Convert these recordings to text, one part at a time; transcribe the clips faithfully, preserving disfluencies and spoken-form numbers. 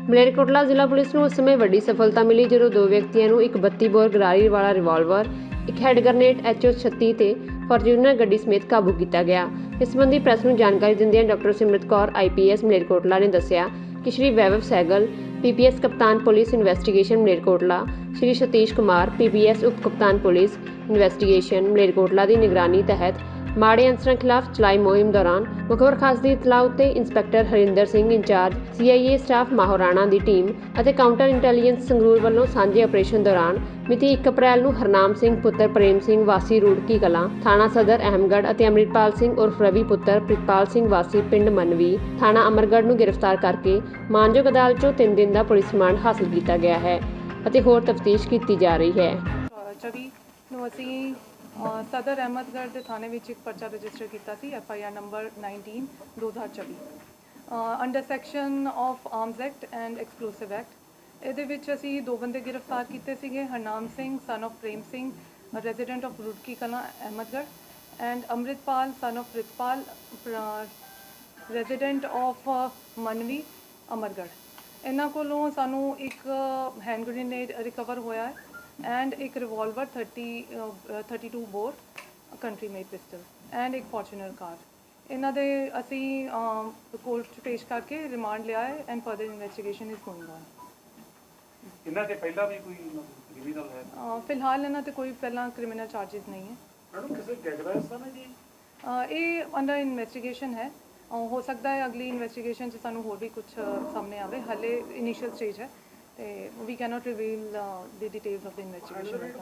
ਮਲੇਰਕੋਟਲਾ ਜ਼ਿਲ੍ਹਾ ਪੁਲਿਸ ਨੂੰ ਉਸ ਸਮੇਂ ਵੱਡੀ ਸਫਲਤਾ ਮਿਲੀ ਜਦੋਂ ਦੋ ਵਿਅਕਤੀਆਂ ਨੂੰ ਇੱਕ ਬੱਤੀ ਬੋਰ ਗਰਾਰੀ ਵਾਲਾ ਰਿਵਾਲਵਰ, ਇੱਕ ਹੈਂਡ ਗ੍ਰਨੇਡ ਐਚ ਓ ਛੱਤੀ ਤੇ ਫਾਰਚੂਨਰ ਗੱਡੀ ਸਮੇਤ ਕਾਬੂ ਕੀਤਾ ਗਿਆ। ਇਸ ਸੰਬੰਧੀ ਪ੍ਰੈਸ ਨੂੰ ਜਾਣਕਾਰੀ ਦਿੰਦਿਆਂ doctor Simrat Kaur I P S Malerkotla ਨੇ ਦੱਸਿਆ ਕਿ Shri Vaibhav Sehgal P P S ਕਪਤਾਨ police investigation Malerkotla, Shri Satish Kumar P P S ਉਪ ਕਪਤਾਨ ਪੁਲਿਸ ਇਨਵੈਸਟੀਗੇਸ਼ਨ ਮਲੇਰਕੋਟਲਾ ਦੀ ਨਿਗਰਾਨੀ ਤਹਿਤ ਮਾੜੇ ਅਨਸਰਾਂ ਖਿਲਾਫ ਚਲਾਈ ਮੁਹਿੰਮ ਦੌਰਾਨ ਮੁਖਬਰ ਖਾਸ ਦੀ ਇਤਲਾਹ ਉੱਤੇ inspector Harinder Singh incharge C I A staff Mahorana ਦੀ ਟੀਮ ਅਤੇ ਕਾਊਂਟਰ ਇੰਟੈਲੀਜੈਂਸ ਸੰਗਰੂਰ ਵੱਲੋਂ ਸਾਂਝੇ ਆਪਰੇਸ਼ਨ ਦੌਰਾਨ ਮਿਤੀ ਇੱਕ ਅਪ੍ਰੈਲ ਨੂੰ ਹਰਨਾਮ ਸਿੰਘ ਪੁੱਤਰ ਪ੍ਰੇਮ ਸਿੰਘ ਵਾਸੀ ਰੂੜਕੀ ਕਲਾਂ ਥਾਣਾ ਸਦਰ ਅਹਿਮਗੜ੍ਹ ਅਤੇ ਅੰਮ੍ਰਿਤਪਾਲ ਸਿੰਘ ਉਰਫ ਰਵੀ ਪੁੱਤਰ ਪ੍ਰਿਤਪਾਲ ਸਿੰਘ ਵਾਸੀ ਪਿੰਡ ਮਨਵੀ ਥਾਣਾ ਅਮਰਗੜ੍ਹ ਨੂੰ ਗ੍ਰਿਫਤਾਰ ਕਰਕੇ ਮਾਨਯੋਗ ਅਦਾਲਤ 'ਚੋਂ ਤਿੰਨ ਦਿਨ ਦਾ ਪੁਲਿਸ ਰਿਮਾਂਡ ਹਾਸਲ ਕੀਤਾ ਗਿਆ ਹੈ ਅਤੇ ਹੋਰ ਤਫਤੀਸ਼ ਕੀਤੀ ਜਾ ਰਹੀ ਹੈ। ਨੂੰ ਅਸੀਂ ਸਦਰ ਅਹਿਮਦਗੜ੍ਹ ਦੇ ਥਾਣੇ ਵਿੱਚ ਇੱਕ ਪਰਚਾ ਰਜਿਸਟਰ ਕੀਤਾ ਸੀ F I R number nineteen ਦੋ ਹਜ਼ਾਰ ਚੌਵੀ under section of arms act and explosive act. ਇਹਦੇ ਵਿੱਚ ਅਸੀਂ ਦੋ ਬੰਦੇ ਗ੍ਰਿਫਤਾਰ ਕੀਤੇ ਸੀਗੇ, Harnam Singh son of Prem Singh resident of Rurki Kalan Ahmedgarh and Amritpal son of Pritpal resident of Manvi Amargarh. ਇਹਨਾਂ ਕੋਲੋਂ ਸਾਨੂੰ ਇੱਕ ਹੈਂਡ ਗ੍ਰੇਨੇਡ ਰਿਕਵਰ ਹੋਇਆ ਹੈ ਐਂਡ ਇੱਕ revolver thirty thirty two bore country made pistol and ਇੱਕ ਫੋਰਚੂਨਰ ਕਾਰ। ਇਹਨਾਂ ਦੇ ਅਸੀਂ ਕੋਰਟ 'ਚ ਪੇਸ਼ ਕਰਕੇ ਰਿਮਾਂਡ ਲਿਆ ਹੈ and further investigation is going on. ਇਹਨਾਂ ਤੇ ਪਹਿਲਾਂ ਵੀ ਕੋਈ ਕ੍ਰਿਮੀਨਲ ਹੈ? ਫਿਲਹਾਲ ਇਹਨਾਂ ਤੇ ਕੋਈ ਪਹਿਲਾਂ ਕ੍ਰਿਮੀਨਲ ਚਾਰजेस ਨਹੀਂ ਹੈ। ਮੈਡਮ ਕਿਸੇ ਗੈਂਗਰੈਸ ਨਾ ਜੀ ਇਹ ਅੰਡਰ ਇਨਵੈਸਟੀਗੇਸ਼ਨ ਹੈ। ਹੋ ਸਕਦਾ ਹੈ ਅਗਲੀ ਇਨਵੈਸਟੀਗੇਸ਼ਨ 'ਚ ਸਾਨੂੰ ਹੋਰ ਵੀ ਕੁਝ ਸਾਹਮਣੇ ਆਵੇ, ਹਾਲੇ ਇਨੀਸ਼ੀਅਲ ਸਟੇਜ ਹੈ ਤੇ we cannot reveal the details of the investigation.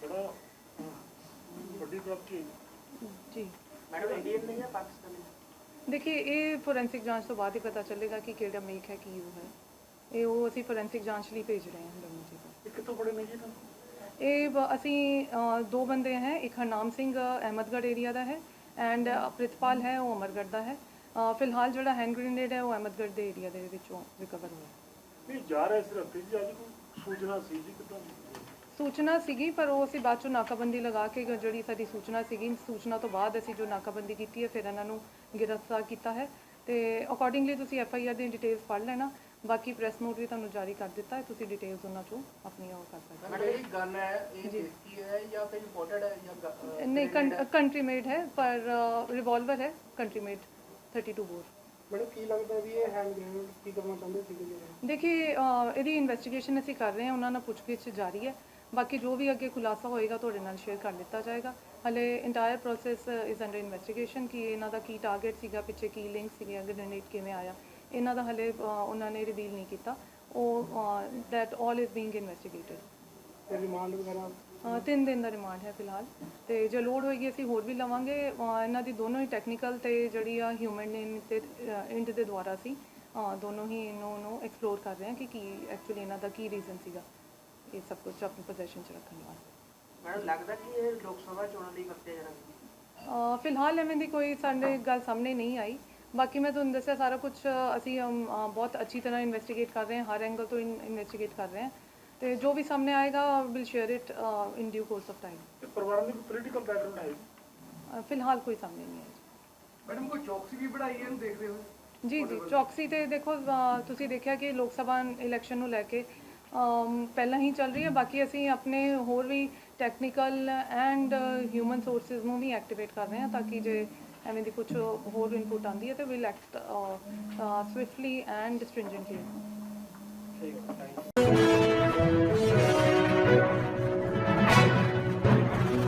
ਜੀ ਮੈਡਮ ਇੰਡੀਅਨ ਨਹੀਂ ਹੈ ਪਾਕਿਸਤਾਨੀ? देखिए ये फोरेंसिक जांच तो बाद ही पता चलेगा कि केड़ा मेक है कि वो है ये वो ਅਸੀਂ फोरेंसिक जांच ਲਈ ਭੇਜ ਰਹੇ ਹਾਂ ਦੋਨੋਂ ਚੀਜ਼ਾਂ। ਇਹ ਕਿੱਥੋਂ ਬੜੇ ਨੇ ਜੀ? ਇਹ ਅਸੀਂ ਦੋ ਬੰਦੇ हैं, एक हरनाम सिंह अहमदगढ़ एरिया ਦਾ ਹੈ ਐਂਡ ਪ੍ਰਿਤਪਾਲ ਹੈ ਉਹ ਅਮਰਗੜ੍ਹ ਦਾ ਹੈ। ਫਿਲਹਾਲ ਜਿਹੜਾ ਹੈਂਡ ਗ੍ਰੇਨੇਡ ਹੈ ਉਹ ਅਹਿਮਦਗੜ੍ਹ ਦੇ ਏਰੀਆ ਦੇ ਵਿੱਚੋਂ ਰਿਕਵਰ ਹੋਇਆ। ਇਹ ਜਾ ਰਿਹਾ ਸੀ ਰਸਤੇ 'ਚ, ਅੱਜ ਕੋਈ ਸੂਚਨਾ ਸੀ ਜੀ ਕਿੱਦਾਂ? ਸੂਚਨਾ ਸੀਗੀ ਪਰ ਉਹ ਅਸੀਂ ਬਾਅਦ ਚੋਂ ਨਾਕਾਬੰਦੀ ਲਗਾ ਕੇ ਜਿਹੜੀ ਸਾਡੀ ਸੂਚਨਾ ਸੀਗੀ, ਸੂਚਨਾ ਤੋਂ ਬਾਅਦ ਅਸੀਂ ਜੋ ਨਾਕਾਬੰਦੀ ਕੀਤੀ ਹੈ ਫਿਰ ਇਹਨਾਂ ਨੂੰ ਗ੍ਰਿਫਤਾਰ ਕੀਤਾ ਹੈ ਤੇ ਅਕੋਰਡਿੰਗਲੀ ਤੁਸੀਂ ਐਫ ਆਈ ਆਰ ਦੀ ਡਿਟੇਲਸ ਪੜ੍ਹ ਲੈਣਾ। ਬਾਕੀ ਪ੍ਰੈਸ ਨੋਟ ਵੀ ਤੁਹਾਨੂੰ ਜਾਰੀ ਕਰ ਦਿੱਤਾ ਹੈ, ਤੁਸੀਂ ਡਿਟੇਲਸ ਉਹਨਾਂ ਚੋਂ ਆਪਣੀ ਉਹ ਕਰ ਸਕਦੇ ਹੋ। ਮੈਡਮ ਇਹ ਗਨ ਹੈ ਇਹ ਦੇਸੀ ਹੈ ਜਾਂ ਫਿਰ ਇੰਪੋਰਟਡ ਹੈ ਜਾਂ ਨਹੀਂ ਕੰਟਰੀ ਮੇਡ ਹੈ ਪਰ ਰਿਵਾਲਵਰ ਹੈ country made thirty two bore. Madam ਕੀ ਲੱਗਦਾ ਵੀ ਇਹ ਹੈਂਡ ਗ੍ਰੇਨੇਡ ਕੀ ਕਰਨਾ ਚਾਹੁੰਦੇ ਸੀਗੇ? ਦੇਖिए ਇਹਦੀ ਇਨਵੈਸਟੀਗੇਸ਼ਨ ਅਸੀਂ ਕਰ ਰਹੇ ਹਾਂ, ਉਹਨਾਂ ਨਾਲ ਪੁੱਛਗਿੱਛ ਜਾਰੀ ਹੈ। ਬਾਕੀ ਜੋ ਵੀ ਅੱਗੇ ਖੁਲਾਸਾ ਹੋਏਗਾ ਤੁਹਾਡੇ ਨਾਲ ਸ਼ੇਅਰ ਕਰ ਦਿੱਤਾ ਜਾਏਗਾ। ਹਲੇ entire process is under investigation ਕਿ ਇਹਨਾਂ ਦਾ ਕੀ ਟਾਰਗੇਟ ਸੀਗਾ, ਪਿੱਛੇ ਕੀ ਲਿੰਕ ਸੀਗੇ, ਗ੍ਰੇਨੇਡ ਕਿਵੇਂ ਆਇਆ, ਇਹਨਾਂ ਦਾ ਹਲੇ ਉਹਨਾਂ ਨੇ ਰਿਵੀਲ ਨਹੀਂ ਕੀਤਾ। ਉਹ that all is being investigated. Remand ਵਗੈਰਾ ਤਿੰਨ ਦਿਨ ਦਾ ਰਿਮਾਂਡ ਹੈ ਫਿਲਹਾਲ ਤੇ ਜੇ ਲੋੜ ਹੋਏਗੀ ਅਸੀਂ ਹੋਰ ਵੀ ਲਵਾਂਗੇ। ਇਹਨਾਂ ਦੀ ਦੋਨੋਂ ਹੀ ਟੈਕਨੀਕਲ ਤੇ ਜਿਹੜੀ ਆ ਹਿਊਮਨ ਤੇ ਇੰਟ ਦੇ ਦੁਆਰਾ ਅਸੀਂ ਦੋਨੋਂ ਹੀ ਇਹਨੂੰ ਨੂੰ ਐਕਸਪਲੋਰ ਕਰ ਰਹੇ ਹਾਂ ਕਿ ਕੀ ਐਕਚੁਅਲੀ ਇਹਨਾਂ ਦਾ ਕੀ ਰੀਜ਼ਨ ਸੀਗਾ ਇਹ ਸਭ ਕੁਝ ਆਪਣੀ ਪੋਜੀਸ਼ਨ 'ਚ ਰੱਖਣ ਵਾਸਤੇ। ਮੈਡਮ ਲੱਗਦਾ ਕਿ ਇਹ ਲੋਕ ਸਭਾ ਚੋਣਾਂ ਲਈ ਵਰਤਿਆ ਜਾਣਾ? ਫਿਲਹਾਲ ਐਵੇਂ ਦੀ ਕੋਈ ਸਾਡੇ ਗੱਲ ਸਾਹਮਣੇ ਨਹੀਂ ਆਈ। ਬਾਕੀ ਮੈਂ ਤੁਹਾਨੂੰ ਦੱਸਿਆ ਸਾਰਾ ਕੁਝ ਅਸੀਂ ਬਹੁਤ ਅੱਛੀ ਤਰ੍ਹਾਂ ਇਨਵੈਸਟੀਗੇਟ ਕਰ ਰਹੇ ਹਾਂ, ਹਰ ਐਂਗਲ ਤੋਂ ਇਨਵੈਸਟੀਗੇਟ ਕਰ ਰਹੇ ਹਾਂ ਤੇ ਜੋ ਵੀ ਸਾਹਮਣੇ ਆਏਗਾ will share it in due course of time. ਪਰਿਵਾਰ ਦੀ ਪੋਲੀਟੀਕਲ ਬੈਕਗ੍ਰਾਉਂਡ ਹੈ? ਫਿਲਹਾਲ ਕੋਈ ਸਾਹਮਣੇ ਨਹੀਂ ਆਇਆ। ਮੈਡਮ ਕੋਈ ਚੌਕਸੀ ਵੀ बढ़ाई है देखते हो? ਜੀ ਜੀ ਚੌਕਸੀ ਤੇ ਦੇਖੋ ਤੁਸੀਂ ਦੇਖਿਆ ਕਿ ਲੋਕ ਸਭਾ ਇਲੈਕਸ਼ਨ ਨੂੰ ਲੈ ਕੇ ਪਹਿਲਾਂ ਹੀ ਚੱਲ ਰਹੀ ਹੈ। ਬਾਕੀ ਅਸੀਂ ਆਪਣੇ ਹੋਰ ਵੀ ਟੈਕਨੀਕਲ ਐਂਡ ਹਿਊਮਨ ਸੋਰਸਿਸ ਨੂੰ ਵੀ ਐਕਟੀਵੇਟ ਕਰ ਰਹੇ ਹਾਂ ਤਾਂ ਕਿ ਜੇ ਐਵੇਂ ਦੀ ਕੁਝ ਹੋਰ ਇਨਪੁਟ ਆਉਂਦੀ ਹੈ ਤਾਂ ਵਿਲ ਐਕਟ ਸਵਿਫਟਲੀ ਐਂਡ ਸਟ੍ਰਿੰਜੈਂਟਲੀ।